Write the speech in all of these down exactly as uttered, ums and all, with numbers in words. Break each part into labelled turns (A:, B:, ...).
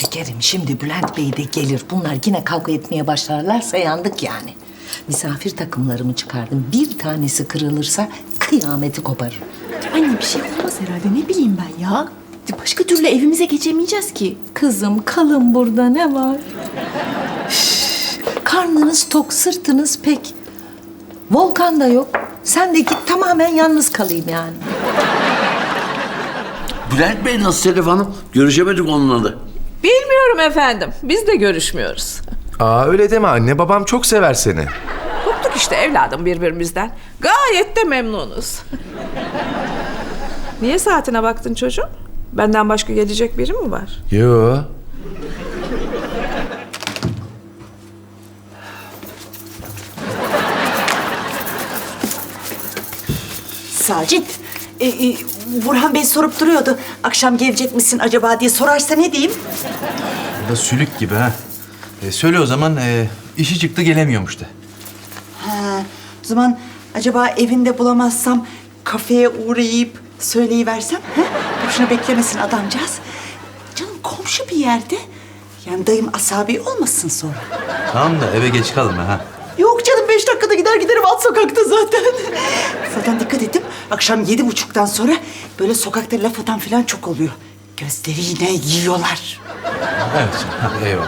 A: Şekerim şimdi Bülent Bey de gelir. Bunlar yine kavga etmeye başlarlarsa yandık yani. Misafir takımlarımı çıkardım. Bir tanesi kırılırsa kıyameti koparırım.
B: Anne bir şey olmaz herhalde, ne bileyim ben ya. Başka türlü evimize geçemeyeceğiz ki.
A: Kızım kalın burada, ne var? Üf, karnınız tok, sırtınız pek. Volkan da yok. Sen de git, tamamen yalnız kalayım yani.
C: Bülent Bey nasıl Sedef Hanım? Görüşemedik onunla da.
D: Bilmiyorum efendim. Biz de görüşmüyoruz.
E: Aa öyle deme anne, babam çok sever seni.
D: Koptuk işte evladım birbirimizden. Gayet de memnunuz. Niye saatine baktın çocuğum? Benden başka gelecek biri mi var?
E: Yo.
F: Sacit, e, e, Burhan Bey sorup duruyordu. Akşam gelecek misin acaba diye sorarsa ne diyeyim?
G: Bu da sülük gibi ha. E, söyle o zaman, e, işi çıktı gelemiyormuş da.
F: Ha, o zaman acaba evinde bulamazsam kafeye uğrayıp söyleyiversem? Ha? Boşuna beklemesin adamcağız. Canım komşu bir yerde. Yani dayım asabi olmasın sonra.
G: Tamam da eve geç kalma ha.
F: Yok canım, beş dakikada gider giderim, alt sokakta zaten. Zaten dikkat ettim, akşam yedi buçuktan sonra böyle sokakta laf atan falan çok oluyor. Gözleri yine yiyorlar.
G: Evet, ha, eyvallah.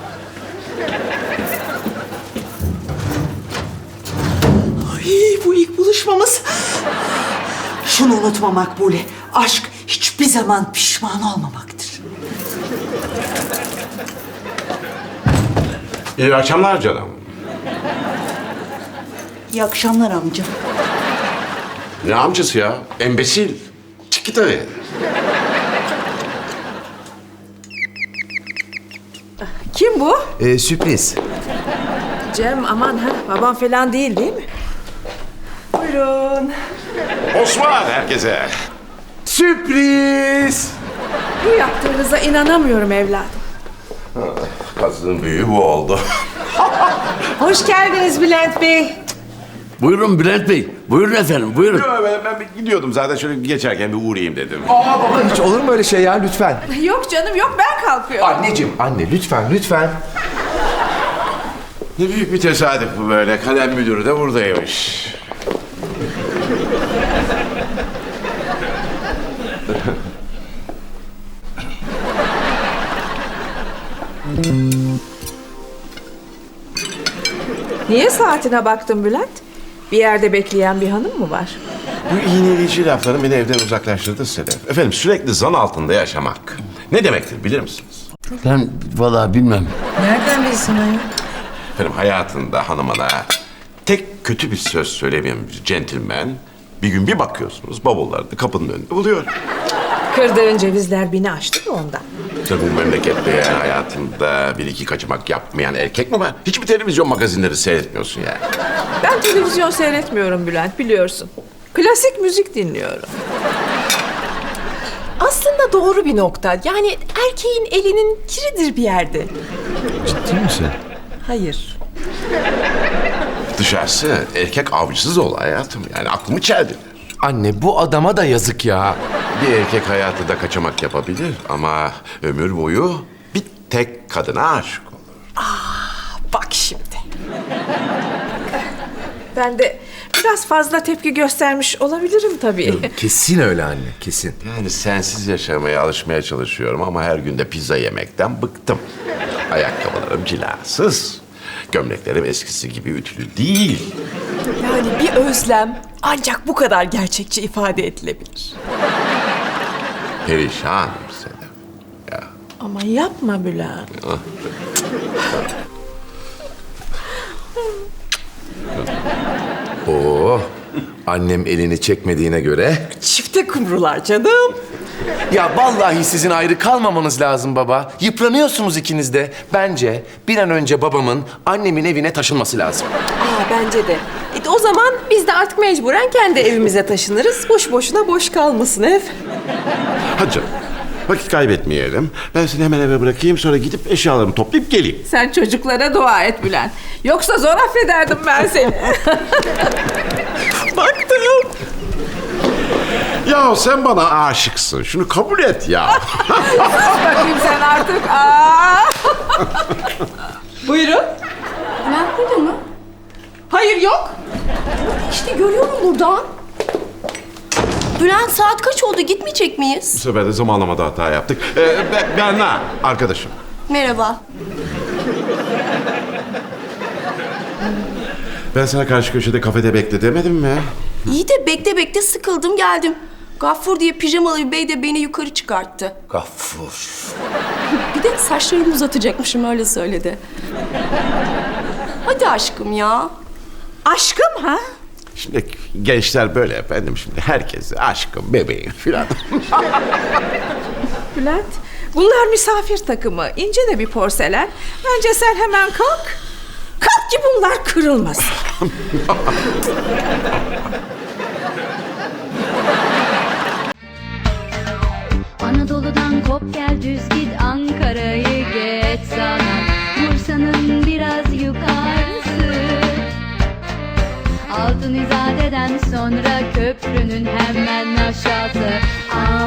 F: Ay, bu ilk buluşmamız. Şunu unutma Makbule, aşk hiçbir zaman pişman olmamaktır.
H: İyi akşamlar canım.
F: İyi akşamlar amca.
H: Ne amcası ya? Embesil. Çık git hadi.
D: Kim bu?
E: Ee, sürpriz.
D: Cem aman ha babam falan değil değil mi? Buyurun.
H: Osman herkese.
E: Sürpriz!
D: Bu yaptığınıza inanamıyorum evladım.
H: Kazının büyüğü bu oldu.
A: Hoş geldiniz Bülent Bey.
C: Buyurun Bülent Bey. Buyurun efendim, buyurun.
H: Yo, ben, ben bir gidiyordum zaten, şöyle geçerken bir uğrayayım dedim.
E: Aa baba, hiç olur mu öyle şey ya, lütfen.
D: Yok canım yok, ben kalkıyorum.
E: Anneciğim, anne lütfen, lütfen.
H: Ne büyük bir tesadüf bu böyle. Kalem müdürü de buradaymış.
D: Niye saatine baktın Bülent? Bir yerde bekleyen bir hanım mı var?
H: Bu iğneleyici lafların beni evden uzaklaştırdı Sedef. Efendim, sürekli zan altında yaşamak ne demektir bilir misiniz?
C: Ben vallahi bilmem.
A: Nereden bilsin ayol?
H: Efendim, hayatında hanımına tek kötü bir söz söylemeyen bir centilmen bir gün bir bakıyorsunuz bavullarını kapının önünde buluyor.
D: Kırdığın cevizler beni aştı da ondan.
H: Tabii bu memlekette yani hayatında bir iki kaçamak yapmayan erkek mi var? Hiçbir televizyon magazinleri seyretmiyorsun yani.
D: Ben televizyon seyretmiyorum Bülent, biliyorsun. Klasik müzik dinliyorum.
B: Aslında doğru bir nokta. Yani erkeğin elinin kiridir bir yerde.
G: Ciddi misin?
B: Hayır.
H: Dışarısı erkek avcısız ol hayatım. Yani aklımı çeldiler.
E: Anne bu adama da yazık ya.
H: Bir erkek hayatı da kaçamak yapabilir ama ömür boyu bir tek kadına aşık olur.
B: Bak şimdi.
D: Ben de biraz fazla tepki göstermiş olabilirim tabii.
E: Kesin öyle anne, kesin.
H: Yani sensiz yaşamaya alışmaya çalışıyorum ama her gün de pizza yemekten bıktım. Ayakkabılarım cilasız. Gömleklerim eskisi gibi ütülü değil.
B: Yani bir özlem ancak bu kadar gerçekçi ifade edilebilir.
H: Perişanım Sedef. Ya.
D: Ama yapma Bülent.
E: Oo, annem elini çekmediğine göre.
B: Çifte kumrular canım.
E: Ya vallahi sizin ayrı kalmamanız lazım baba. Yıpranıyorsunuz ikiniz de. Bence bir an önce babamın annemin evine taşınması lazım.
B: Aa bence de. E, o zaman biz de artık mecburen kendi evimize taşınırız. Boş boşuna boş kalmasın ev.
H: Hadi canım. Vakit kaybetmeyelim. Ben seni hemen eve bırakayım, sonra gidip eşyalarımı toplayıp geleyim.
D: Sen çocuklara dua et Bülent. Yoksa zor affederdim ben seni.
B: Baktım.
H: Ya sen bana aşıksın. Şunu kabul et ya.
D: Bakayım sen artık. Aa!
B: Buyurun.
I: Bülent burada mı?
B: Hayır yok.
I: İşte görüyorum buradan. Bülent saat kaç oldu? Gitmeyecek
H: Bu
I: miyiz?
H: sefer de zamanlamada hata yaptık. Ee, Be- Berna, arkadaşım.
I: Merhaba.
H: Ben sana karşı köşede kafede bekle demedim mi?
I: İyi de bekle bekle sıkıldım geldim. Gaffur diye pijamalı bir bey de beni yukarı çıkarttı.
C: Gaffur.
I: Bir de saçlarımı uzatacakmışım öyle söyledi. Hadi aşkım ya.
D: Aşkım ha?
H: Şimdi gençler böyle efendim. Şimdi herkes aşkım, bebeğim filan.
D: Bülent, bunlar misafir takımı. İnce de bir porselen. Bence sen hemen kalk. Kalk ki bunlar kırılmasın.
J: Anadolu'dan kop gel düz git Ankara'yı geç sana Bursa'nın biraz yukarısı Altın İzade'den sonra köprünün hemen aşağısı